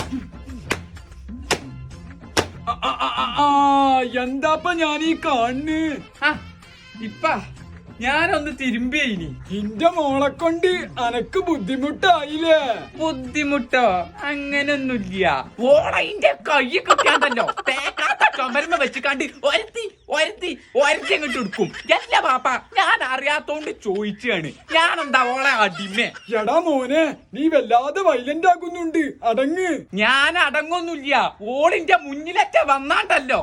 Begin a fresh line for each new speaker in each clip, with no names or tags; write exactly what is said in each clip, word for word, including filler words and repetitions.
എന്താപ്പ ഞാനീ കാണുന്നു?
ഇപ്പ ഞാനൊന്ന് തിരുമ്പിയിനി.
ഇന്റെ മോളെ കൊണ്ട് അനക്ക് ബുദ്ധിമുട്ടായില്ലേ?
ബുദ്ധിമുട്ടോ? അങ്ങനൊന്നുമില്ല. ഓളയിന്റെ കൈ കിട്ടിയാണ്ടല്ലോ തേക്കാത്ത ചുമരുമ വെച്ചിക്കാണ്ട് ഒരത്തി ഒരത്തി ഒരത്തി അങ്ങോട്ട് എടുക്കും. അല്ല പാപ്പ, ഞാൻ അറിയാത്തോണ്ട് ചോദിച്ചാണ്. ഞാനെന്താ ഓളെ അടിമേ?
എടാ മോനെ, നീ വല്ലാതെ വൈലന്റ് ആകുന്നുണ്ട്. അടങ്ങ്.
ഞാൻ അടങ്ങൊന്നുമില്ല. ഓളിന്റെ മുന്നിലറ്റ വന്നാണ്ടല്ലോ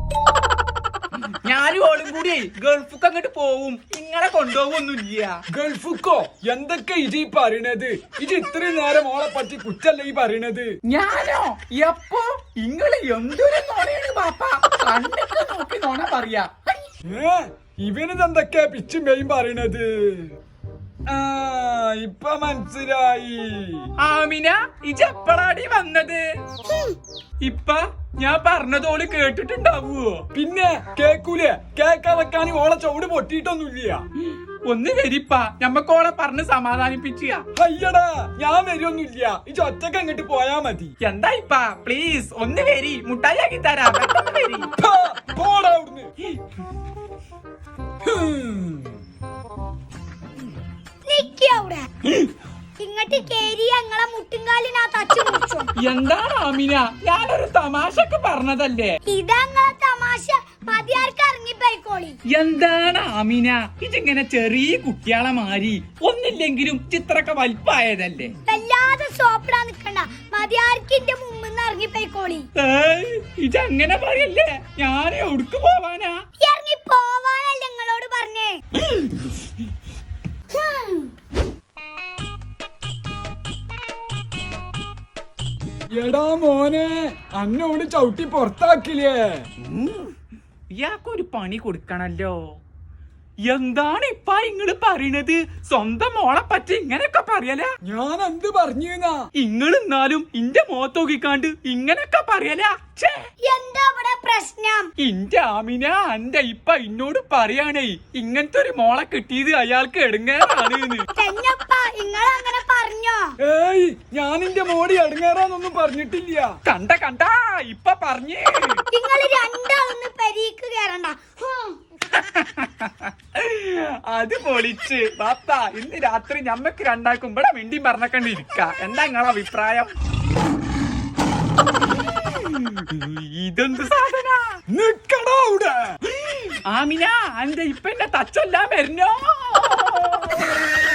ഞാനും ഓളും കൂടി ഗൾഫുക്ക് അങ്ങോട്ട് പോവും. ഇങ്ങളെ കൊണ്ടുപോകൊന്നുമില്ല.
ഗൾഫുക്കോ? എന്തൊക്കെ ഇജി പറയണത്? ഇജ് ഇത്രയും നേരം ഓളെ പറ്റി കുറ്റല്ല ഈ പറയണത്.
ഞാനോ? എപ്പോ? ഇങ്ങള് എന്തൊരു നോണയാണ് പാപ്പ. കണ്ണൊക്കെ നോക്കി നോണ പറയാ.
ഏ ഇവനിതെന്തൊക്കെയാ പിച്ചും പേയും പറയണത്? ആ ഇപ്പൊ മനസ്സിലായി.
ആമിന, ഇജ് എപ്പളാടി വന്നത്? ഇപ്പ ഞാൻ പറഞ്ഞതോള് കേട്ടിട്ടുണ്ടാവുവോ?
പിന്നെ കേക്കൂലേ? കേക്കാൻ വെക്കാൻ ഓളെ ചവിട് പൊട്ടിയിട്ടൊന്നുമില്ല.
ഒന്ന് വരിപ്പ, ഞമ്മക്കോളെ പറഞ്ഞ് സമാധാനിപ്പിച്ച.
അയ്യടാ, ഞാൻ വരുമൊന്നുമില്ല. ഈ ഒറ്റക്ക് അങ്ങോട്ട് പോയാ മതി.
എന്താ ഇപ്പ, പ്ലീസ് ഒന്ന് വരി, മുട്ടായി ആക്കി തരാം. വരി.
പോടാ അവിടുന്ന്.
ഇങ്ങോട്ട് കേറി ഞങ്ങളെ മുട്ടുംകാലിനകത്ത് അച്ചു മുറിച്ചോ.
എന്താണ് ആമിന? ഞാനൊരു തമാശക്ക് പറഞ്ഞതല്ലേ.
ഇതങ്ങളെ തമാശ മതിയാർക്ക് ഇറങ്ങിപ്പോയിക്കോളി.
എന്താണ് ആമിന ഇതിങ്ങനെ ചെറിയ കുട്ടികളെ മാറി? ഒന്നില്ലെങ്കിലും ചിത്രമൊക്കെ വലിപ്പായതല്ലേ.
വല്ലാതെ സോപ്പിടാൻ നിക്കണ്ട. മതിയാർക്ക് എന്റെ മുമ്പിന്ന് ഇറങ്ങിപ്പോയിക്കോളി.
ഇതങ്ങനെ പറയല്ലേ. ഞാൻ എവിടക്ക് പോവാനാ?
ഇറങ്ങി പോവാനല്ല നിങ്ങളോട് പറഞ്ഞേ.
എടാ മോനെ, അന്നോട് ചവിട്ടി പുറത്താക്കില്ലേ?
ഇയാൾക്കൊരു പണി കൊടുക്കണല്ലോ. എന്താണ് ഇപ്പ ഇങ്ങള് പറയണത്? സ്വന്തം മോളെ പറ്റി ഇങ്ങനൊക്കെ പറയല?
ഞാൻ എന്ത് പറഞ്ഞാ?
ഇങ്ങള് എന്നാലും ഇന്റെ മോത്തോക്കിക്കാണ്ട് ഇങ്ങനൊക്കെ പറയല?
എന്താ ഇവിടെ പ്രശ്നം?
ഇന്റെ ആമിന, അന്റെ ഇപ്പ ഇന്നോട് പറയാണേ ഇങ്ങനത്തെ ഒരു മോളെ കിട്ടിയത് അയാൾക്ക് എടുങ്ങാറാണ്.
അങ്ങനെ പറഞ്ഞോ?
ഏയ്, ഞാൻ എന്റെ മോടി എടുങ്ങാറാന്നൊന്നും പറഞ്ഞിട്ടില്ല.
കണ്ട കണ്ട ഇപ്പൊ പറഞ്ഞേ.
നിങ്ങള് രണ്ടാളൊന്ന് പെരീക്ക് കയറണ്ട.
അത് പൊളിച്ച് ബാപ്പ. ഇന്ന് രാത്രി ഞമ്മക്ക് രണ്ടാക്കും ഇവിടെ മിണ്ടിയും പറഞ്ഞക്കണ്ടിരിക്ക. എന്താ നിങ്ങളെ അഭിപ്രായം? ഇതെന്ത് സാധന?
നിക്കടാ അവിടെ.
ആമിന, അന്റെ ഇപ്പൊ എന്നെ തച്ചെല്ലാം വരുന്നോ?